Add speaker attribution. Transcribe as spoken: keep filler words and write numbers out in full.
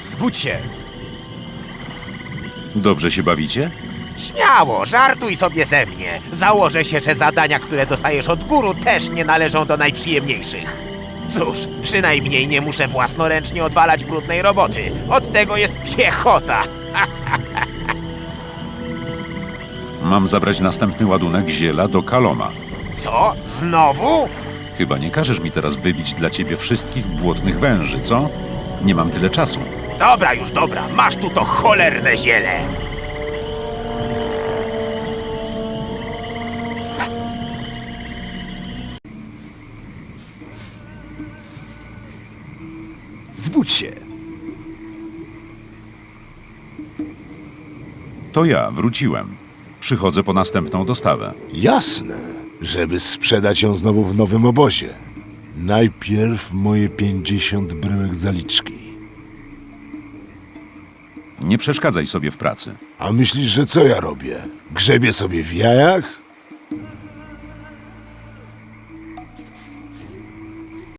Speaker 1: Zbudź się!
Speaker 2: Dobrze się bawicie?
Speaker 3: Śmiało, żartuj sobie ze mnie. Założę się, że zadania, które dostajesz od guru, też nie należą do najprzyjemniejszych. Cóż, przynajmniej nie muszę własnoręcznie odwalać brudnej roboty. Od tego jest piechota.
Speaker 2: Mam zabrać następny ładunek ziela do Kaloma.
Speaker 3: Co? Znowu?
Speaker 2: Chyba nie każesz mi teraz wybić dla ciebie wszystkich błotnych węży, co? Nie mam tyle czasu.
Speaker 3: Dobra już, dobra. Masz tu to cholerne ziele.
Speaker 1: Zbudź się!
Speaker 2: To ja, wróciłem. Przychodzę po następną dostawę.
Speaker 4: Jasne, żeby sprzedać ją znowu w nowym obozie. Najpierw moje pięćdziesiąt bryłek zaliczki.
Speaker 2: Nie przeszkadzaj sobie w pracy.
Speaker 4: A myślisz, że co ja robię? Grzebię sobie w jajach?